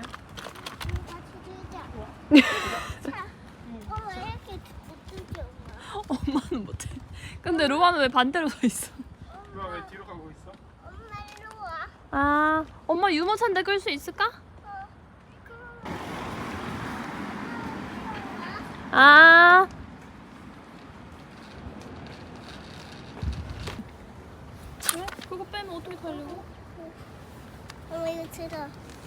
엄마 이렇게 못들지 엄마. 엄마는 못해. 근데 로아는 왜 반대로 서 있어? 로아 왜 뒤로 가고 있어? 엄마 이리 와. 아, 엄마 유모차인데 끌 수 있을까? 아. 그래? 그거 빼면 어떻게 타려고? 엄마 이거 들어.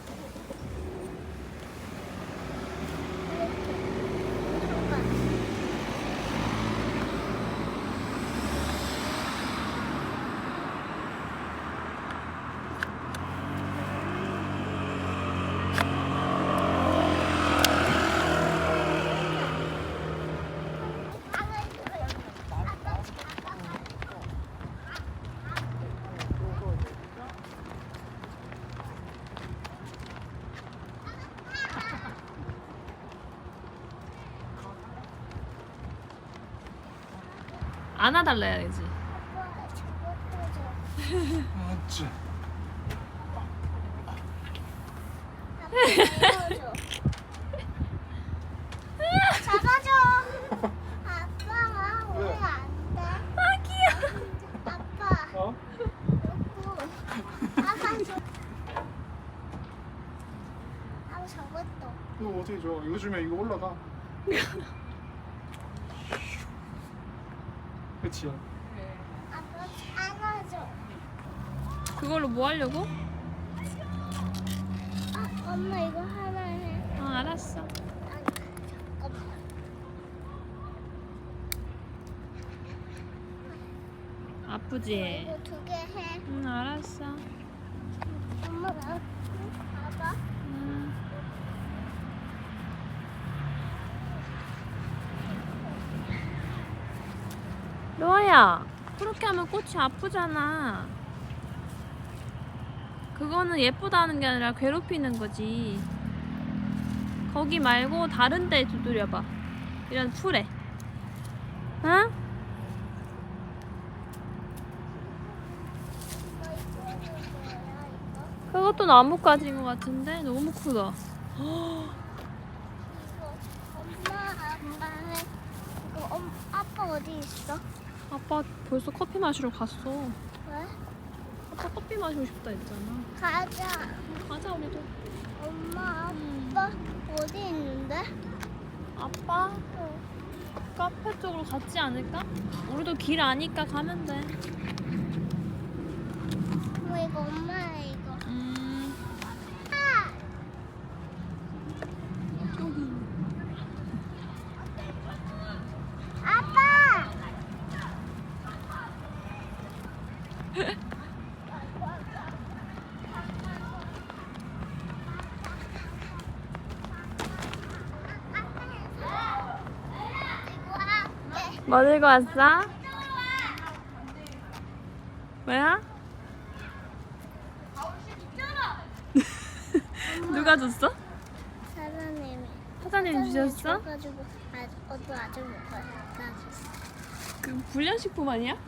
안아달래야지. 아빠 저거 줘. 아치. 아빠 이거 줘. 잡아줘. 아빠가 왜? 오늘 안 돼. 아, 귀여워. 아빠. 어? 아빠 줘. 아빠 저것도. 이거 어떻게 줘? 이거 주면 이거 올라가. 그치? 아빠 안아줘. 그걸로 뭐 하려고? 아, 엄마 이거 하나 해. 아, 알았어. 아, 잠깐만. 아프지? 이거 두 개 해. 응, 알았어. 엄마 나 봐봐. 로아야, 그렇게 하면 꽃이 아프잖아. 그거는 예쁘다는 게 아니라 괴롭히는 거지. 거기 말고 다른 데 두드려봐. 이런 풀에. 응? 그것도 나뭇가지인 것 같은데 너무 크다. 이거 엄마 아빠는 이거 아빠 어디 있어? 아빠 벌써 커피 마시러 갔어. 왜? 아빠 커피 마시고 싶다 했잖아. 가자. 가자 우리도. 엄마 아빠 어디 있는데? 아빠 카페 쪽으로 갔지 않을까? 우리도 길 아니까 가면 돼. 엄마 이거 엄마야 이거. 아! 여기. 아빠! 뭐 들고 왔어? 뭐야? 누가 줬어? 사장님이 사장님 주셨어? 가지고 어디 아주 먹어요. 줬어. 그 불량식품 아니야?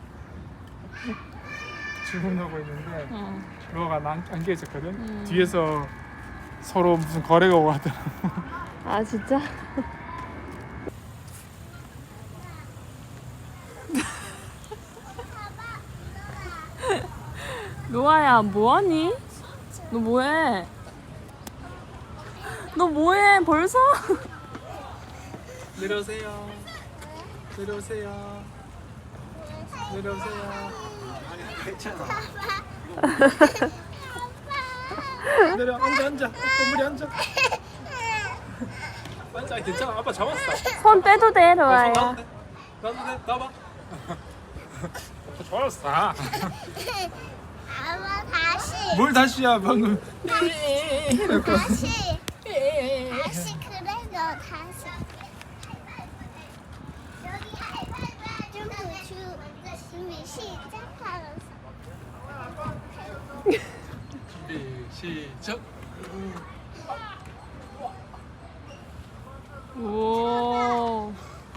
주문하고 있는데 어. 로아가 안겨 있었거든. 음. 뒤에서 서로 무슨 거래가 오고 하더라고. 아 진짜? 로아야 뭐하니? 너 뭐해? 너 뭐해 벌써? 내려오세요. 내려오세요. 내려오세요. 괜찮아. 내려 앉아. 건물이 앉아. 앉아. 괜찮아. 아빠 잡았어. 손 떼도 돼 로아야. 나도 돼. 나봐. 아빠 좋았어. 아빠 다시. 뭘 다시야 방금. 다시. 다시 그래도 다시. 여기 준비 시작하면서. 준비 시작. 오.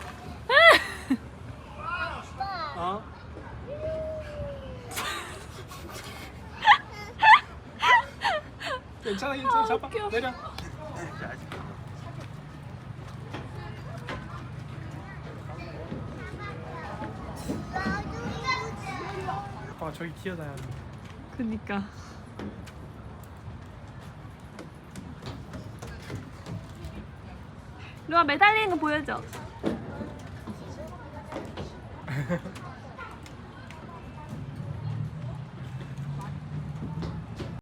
아빠. 어? 괜찮아. 잡아. 웃겨. 내려. 아빠가 저기 기어다녀. 그니까. 루아 매달리는 거 보여줘.